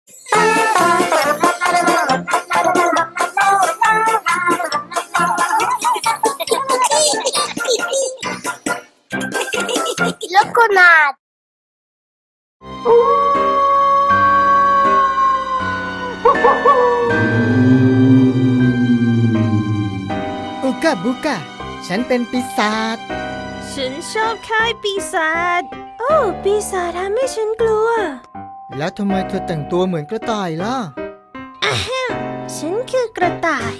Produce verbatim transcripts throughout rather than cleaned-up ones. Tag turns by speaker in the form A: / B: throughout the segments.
A: Loconat.
B: อุกาบุกาฉันเป็นปีศาจ
C: ฉันชอบค่ายปีศาจโอ้ปีศาจทำให้ฉันกลัว
B: แล้วทำไมเธอแต่งตัวเหมือนกระต่ายล่ะ
C: อะแฮมฉันคือกระต่าย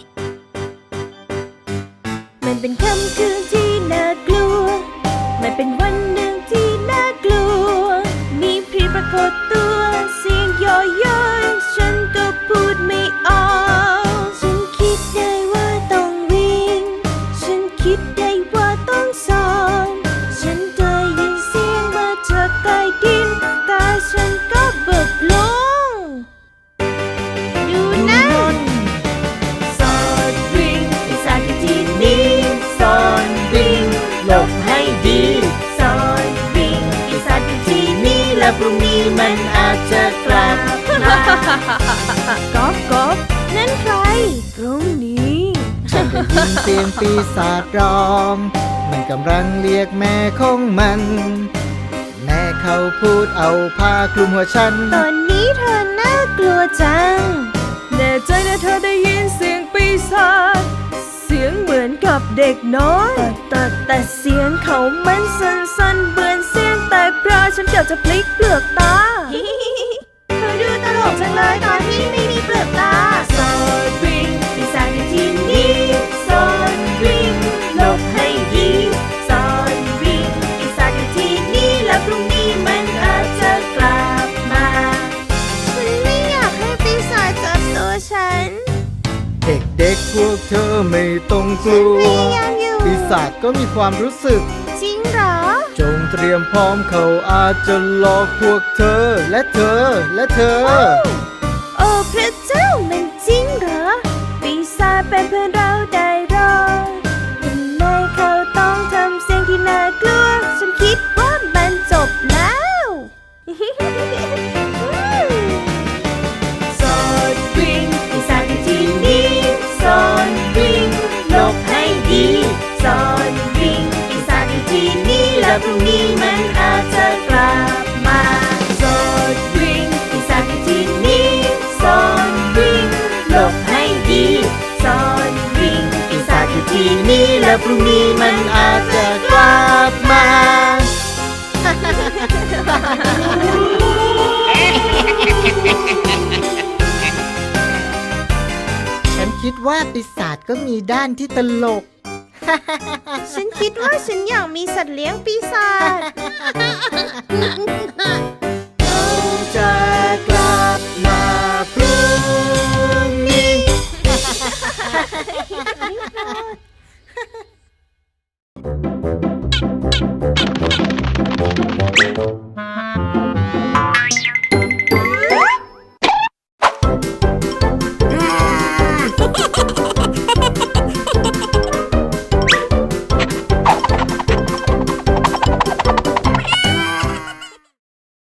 C: มันเป็นค่ำคืนที่น่ากลัวมันเป็นวันหนึ่งที่น่ากลัวมีผีปรากฏตัวเสียงย่อยๆฉันก็พูดไม่ออกฉันคิดได้ว่าต้องวิ่งฉันคิดได้ว่าต้องซ่อนฉันได้ยินเสียงมาจากใต้ดินแต่ฉันก็เบิกลงดูนั่นซ่อนวิ่งปีศาจอยู่ที่นี่ซ่อนวิ่งหลบให้ดีซ่อนวิ่งปีศาจอยู่ที่นี่และพรุ่งนี้มันอาจจะกลับมาก๊อบก๊อบนั่นใครพรุ่งนี้
B: ฉันได้ยินเสียงปีศาจร้องมันกำลังเรียกแม่ของมันแม่เขาพูดเอาผ้าคลุมหัวฉัน
C: ตอนนี้เธอน่ากลัวจังแน่ใจนะเธอได้ยินเสียงปีศาจเสียงเหมือนกับเด็กน้อยแต่แต่เสียงเขามันสั้นๆเหมือนเสียงแต่พระฉันเกือบจะพลิกเปลือกตาเธอดูตลกจังเลยตอนที่ไม่มีเปลือกตาซ่อนวิ่งปีศาจอยู่ที่นี่ซ่อนวิ่งหลบให้ดีซ่อนวิ่งปีศาจอยู่ที่นี่และพรุ่งนี้มันอาจจะกลับมาฉันไม่อยากให้ปีศาจจับตัวฉัน
B: เด็กๆพวกเธอไม่ต้องกลัวปีศาจก็มีความรู้สึก
C: จริงเหรอ
B: จงเตรียมพร้อมเขาอาจจะหลอกพวกเธอและเธอและเธอ
C: โอ้พระเจ้ามันจริงเหรอปีศาจเป็นเพื่อนเราได้หรอทำไมเขาต้องทำเสียงที่น่ากลัวฉันคิดว่ามันจบแล้วซ่อนวิ่งปีศาจอยู่ที่นี่ซ่อนวิ่งหลบให้ดีซ่อนวิ่งปีศาจอยู่ที่นี่และพรุ่งนี้มันอาจจะกลับมาซ่อนวิ่งปีศาจอยู่ที่นี่ซ่อนวิ่งหลบให้ดีซ่อนวิ่งปีศาจอยู่ที่นี่และพรุ่งนี้มันอาจจะกลับมา
B: ฉันคิดว่าปีศาจก็มีด้านที่ตลก
C: ฉันคิดว่าฉันอยากมีสัตว์เลี้ยงปีศาจ
B: เราจะกลับมาพรุ่งนี้